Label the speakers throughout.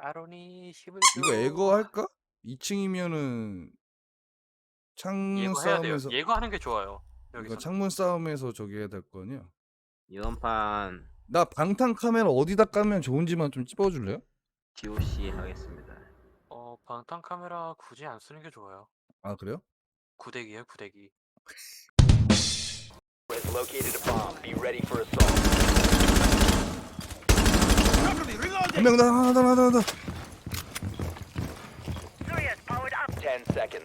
Speaker 1: 아론이 10을
Speaker 2: 이거 에거 할까? 2층이면은 창문
Speaker 1: 예고해야 돼요.
Speaker 2: 싸움에서
Speaker 1: 예고하는 게 좋아요.
Speaker 2: 이거
Speaker 1: 여기서는.
Speaker 2: 창문 싸움에서 저기 해야 될 거 아니야?
Speaker 3: 이번 판
Speaker 2: 나 방탄 카메라 어디다 까면 좋은지만 좀 찝어줄래요?
Speaker 3: DOC 하겠습니다.
Speaker 1: 방탄 카메라 굳이 안 쓰는 게 좋아요.
Speaker 2: 아 그래요?
Speaker 1: 구대기예요, 구대기.
Speaker 4: Has located a bomb. Be ready for assault.
Speaker 2: 한 명 더, 하나 더, 하나 더.
Speaker 4: 10 seconds.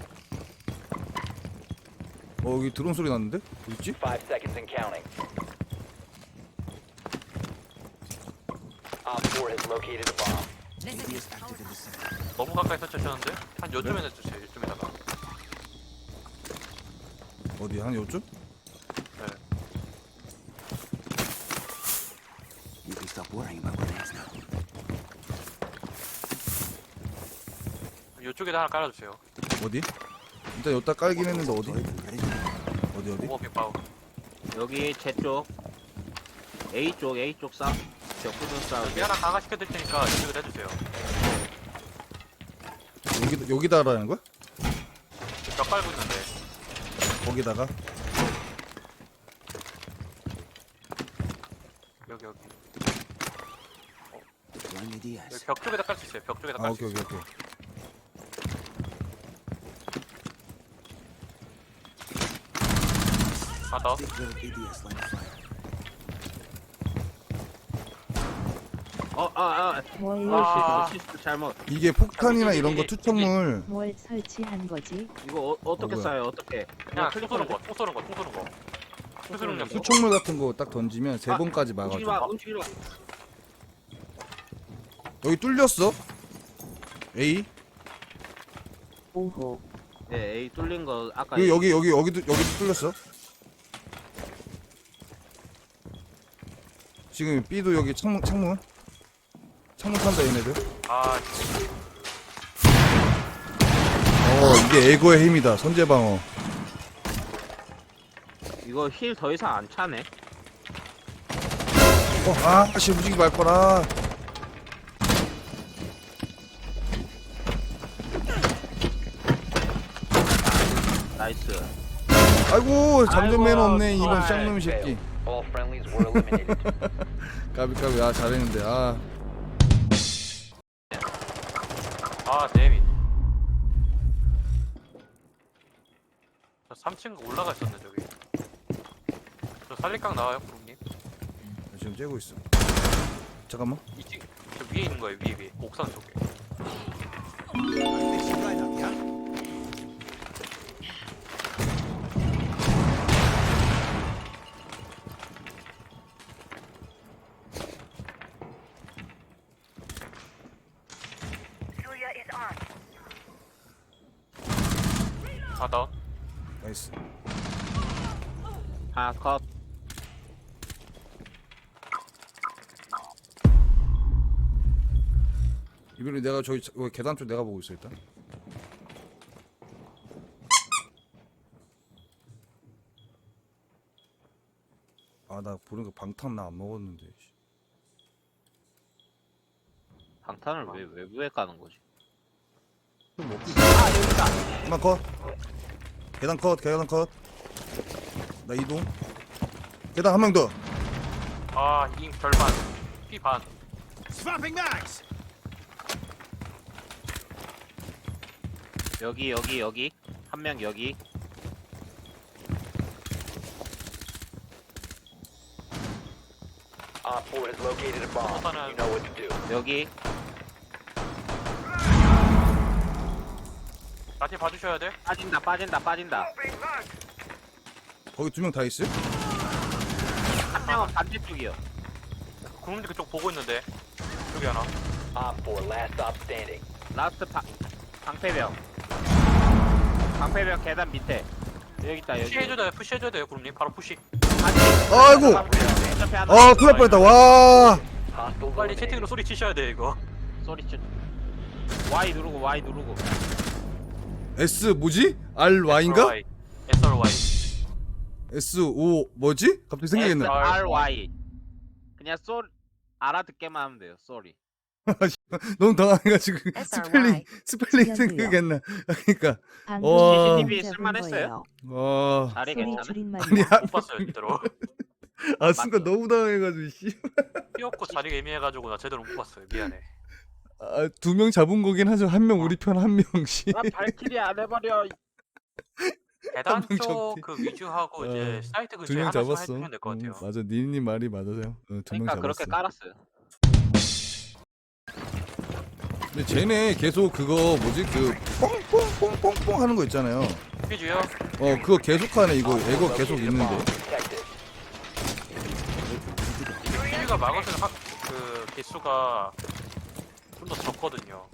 Speaker 2: 여기 드론 소리 났는데? 어딨지?
Speaker 4: 5 seconds and counting. Op 4 has located a bomb.
Speaker 1: 너무 가까이 설치하셨는데? 한 요쯤에 해주세요, 요쯤에다가.
Speaker 2: 어디 한 요쯤?
Speaker 1: 네.
Speaker 5: You can stop worrying about grenades now.
Speaker 1: 요쪽에다 하나 깔아주세요.
Speaker 2: 어디? 일단 여기다 깔긴 했는데 어디? 어디?
Speaker 1: 오버핑 파워.
Speaker 3: 여기 제 쪽 A 쪽 싸 벽부분 싸우기.
Speaker 1: 여기 하나 강화시켜드릴 테니까 이쪽에다 해주세요.
Speaker 2: 여기다 하라는 거야?
Speaker 1: 벽 깔고 있는데.
Speaker 2: 거기다가?
Speaker 1: 여기.
Speaker 5: Blandy
Speaker 1: 여기
Speaker 5: Diaz.
Speaker 1: 벽 쪽에다 깔 수 있어요. 벽 쪽에다
Speaker 2: 아
Speaker 1: 깔 수
Speaker 2: 오케이
Speaker 1: 있어요.
Speaker 2: 오케이.
Speaker 1: 하나 더.
Speaker 5: Big little ADS line of fire.
Speaker 1: 아.
Speaker 3: 실수 잘못.
Speaker 2: 이게 폭탄이나 이런 거 투척물
Speaker 6: 뭘 설치한 거지?
Speaker 3: 이거 어떻게
Speaker 2: 뭐야?
Speaker 3: 쏴요? 어떻게?
Speaker 1: 그냥
Speaker 3: 클릭
Speaker 1: 총 쏘는 거. 수수능 력.
Speaker 2: 투척물 같은 거 딱 던지면 세 번까지
Speaker 3: 움직이지
Speaker 2: 막아줘.
Speaker 3: 마. 움직이지 마.
Speaker 2: 여기 뚫렸어? A?
Speaker 6: 오호.
Speaker 3: 네, A 뚫린 거 아까
Speaker 2: 여기도 뚫렸어. 지금 B도 여기 창문 탄다 얘네들.
Speaker 1: 아,
Speaker 2: 이게 에고의 힘이다. 선제 방어.
Speaker 3: 이거 힐 더 이상 안 차네.
Speaker 2: 씨 움직이지 말 거라.
Speaker 3: 나이스.
Speaker 2: 아이고 잠전 매너
Speaker 3: 아이고,
Speaker 2: 없네 이번
Speaker 3: 좋아요.
Speaker 2: 쌍놈 새끼.
Speaker 4: All friendlies were eliminated.
Speaker 2: 까비 아 잘했는데 아.
Speaker 1: 데미. 저 3층 올라가 있었네, 저기. 저 살리깡 나와요, 구름님.
Speaker 2: 지금 째고 있어. 잠깐만.
Speaker 1: 2층. 저 위에 있는 거예요, 위에. 옥상 쪽에. 하나 더.
Speaker 2: 나이스.
Speaker 3: 하나 컷.
Speaker 2: 이번에 내가 저기 계단 쪽 내가 보고 있어 일단. 아 나 보니까 방탄 나 안 먹었는데.
Speaker 3: 방탄을 왜 외부에 까는 거지?
Speaker 2: 좀 먹고 있어. 하나 컷. 계단 컷. 나 이동. 계단 한 명 더.
Speaker 1: 잉 절반. 피 반.
Speaker 3: 여기 한 명 여기.
Speaker 4: Op 4 has located a bomb. You know what to do.
Speaker 3: 여기
Speaker 1: 나한테 봐주셔야 돼.
Speaker 3: 빠진다.
Speaker 2: 거기 두 명 다 있어요?
Speaker 3: 한 명은 반대쪽이요.
Speaker 1: 구름님 그쪽 보고 있는데. 여기 하나.
Speaker 4: Op 4, last stop standing.
Speaker 3: 라스트 방패벽 계단 밑에. 여기 있다 여기.
Speaker 1: 푸시해줘야 돼요, 구름님. 바로 푸시.
Speaker 2: 아이고. 큰일 날 뻔했다. 와.
Speaker 4: Hostile
Speaker 1: 빨리
Speaker 4: eliminated.
Speaker 1: 채팅으로 소리 치셔야 돼, 이거.
Speaker 3: 소리 쳐. Y 누르고.
Speaker 2: S 뭐지? RY인가?
Speaker 1: SRY.
Speaker 2: S5 뭐지? 갑자기 생각했네.
Speaker 3: SRY. 그냥 알아듣게만 하면 돼요. 쏘리.
Speaker 2: 너무 당황해가지고
Speaker 6: SRY.
Speaker 2: 스펠링
Speaker 6: 지연이요.
Speaker 2: 생각했나. 그러니까
Speaker 6: 방금
Speaker 2: 와.
Speaker 3: CCTV
Speaker 6: 잡은
Speaker 3: 쓸만했어요?
Speaker 6: 거예요.
Speaker 2: 와.
Speaker 3: 자리
Speaker 6: 소리
Speaker 3: 괜찮아?
Speaker 6: 줄임말이야.
Speaker 1: 못 봤어요 제대로.
Speaker 2: 아 순간 너무 당황해가지고 씨.
Speaker 1: 삐었고 자리가 애매해가지고 나 제대로 못 봤어요. 미안해.
Speaker 2: 아, 2명 잡은 거긴 하죠. 한 명 우리 편 한 명씩.
Speaker 3: 나 발키리 안 해버려.
Speaker 1: 계단
Speaker 2: 한명
Speaker 1: 쪽
Speaker 2: 적대.
Speaker 1: 그 위주하고 이제 사이트 근처에
Speaker 2: 2명
Speaker 1: 하나씩
Speaker 2: 잡았어.
Speaker 1: 해주면 될 것 같아요.
Speaker 2: 맞아, 니님 말이 맞아요. 2명
Speaker 3: 그러니까
Speaker 2: 잡았어.
Speaker 3: 그렇게 깔았어요.
Speaker 2: 근데 쟤네 계속 그거 뭐지 그 뽕뽕뽕뽕뽕 하는 거 있잖아요.
Speaker 1: 삐주요?
Speaker 2: 그거 계속하네 이거. 애거 계속 있는데.
Speaker 4: Protected.
Speaker 1: 삐주가 막을 때는 그 개수가 좀 더 적거든요.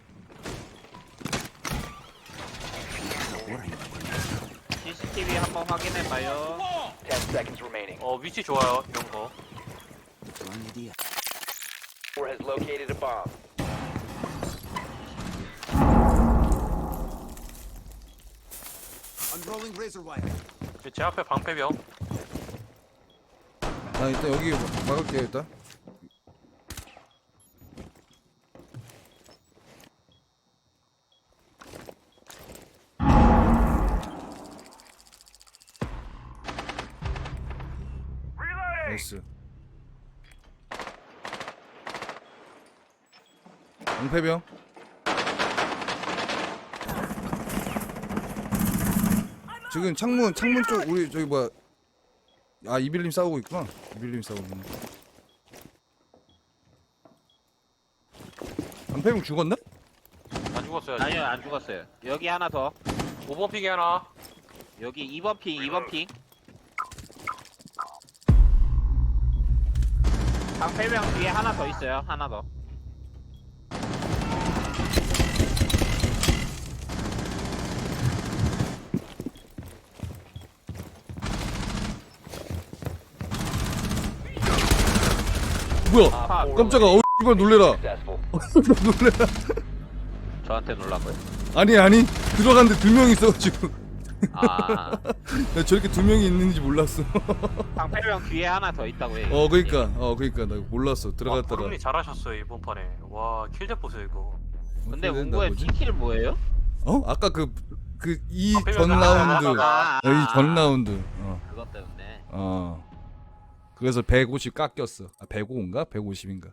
Speaker 5: Stop worrying about what next now.
Speaker 3: CCTV 한번 확인해봐요.
Speaker 4: 10 seconds remaining.
Speaker 1: 위치 좋아요 이런 거.
Speaker 5: Wrong idea.
Speaker 4: 4 has located a bomb.
Speaker 5: Unrolling razor wire.
Speaker 1: 제 앞에 방패병.
Speaker 2: 나 일단 여기 막을게 일단. 나이스. 방패병. 지금 창문 쪽 우리 저기 뭐야? 아 이빌님 싸우고 있구나. 이빌님 싸우고 있네. 방패병 죽었나?
Speaker 1: 안 죽었어요.
Speaker 3: 아니요, 안 죽었어요. 여기 하나 더.
Speaker 1: 5번 픽이 하나.
Speaker 3: 여기 2번 핑, 2번 핑. 방패병 뒤에 하나 더 있어요. 하나 더.
Speaker 2: 뭐야?
Speaker 4: Op 4
Speaker 2: 깜짝아.
Speaker 4: eliminated.
Speaker 2: 이발 놀래라.
Speaker 4: Successful.
Speaker 2: 놀래라.
Speaker 3: 저한테 놀라고요.
Speaker 2: 아니 들어갔는데 2명 있어가지고
Speaker 3: 아,
Speaker 2: 나 저렇게 2명이 있는지 몰랐어.
Speaker 3: 방패병 뒤에 하나 더 있다고요.
Speaker 2: 그러니까 나 몰랐어. 들어갔다가.
Speaker 1: 브루니 잘하셨어요 이번 판에. 와 킬대 보세요 이거.
Speaker 3: 근데
Speaker 2: 어떻게 된다,
Speaker 3: 문구의
Speaker 2: 뭐지?
Speaker 3: 티킬 뭐예요?
Speaker 2: 아까 이
Speaker 1: 방패병
Speaker 2: 전 라운드.
Speaker 3: 아,
Speaker 2: 이 전 라운드.
Speaker 3: 그것 때문에.
Speaker 2: 그래서 150 깎였어. 105인가? 150인가?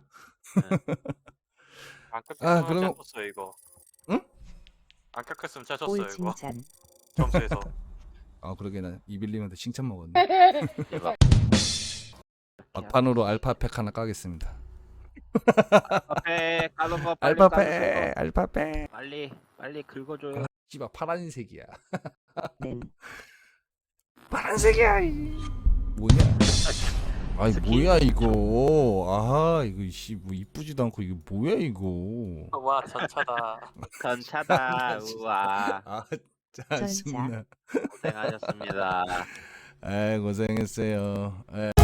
Speaker 1: 안
Speaker 2: 아,
Speaker 1: 깎였으면
Speaker 2: 그러면-
Speaker 1: 짰었어요 이거.
Speaker 2: 응?
Speaker 1: 안 깎였으면 짜졌어요
Speaker 6: 올
Speaker 1: 이거.
Speaker 6: 칭찬.
Speaker 1: 점수에서.
Speaker 2: 그러게 나 이빌님한테 칭찬 먹었네.
Speaker 3: 대박.
Speaker 2: 막판으로 알파팩 하나 까겠습니다.
Speaker 3: 앞에 까는 거 빨리 까는 거.
Speaker 2: 알파팩.
Speaker 3: 빨리 긁어줘요.
Speaker 2: 씨발 파란색이야.
Speaker 6: 는
Speaker 2: 파란색이야. 뭐냐? 아이
Speaker 3: 스킨.
Speaker 2: 뭐야 이거? 이거 뭐 이쁘지도 않고 이게 뭐야 이거?
Speaker 1: 와 전차다.
Speaker 3: 전차다. 우와.
Speaker 2: 짜증나.
Speaker 3: 고생하셨습니다.
Speaker 2: 고생했어요.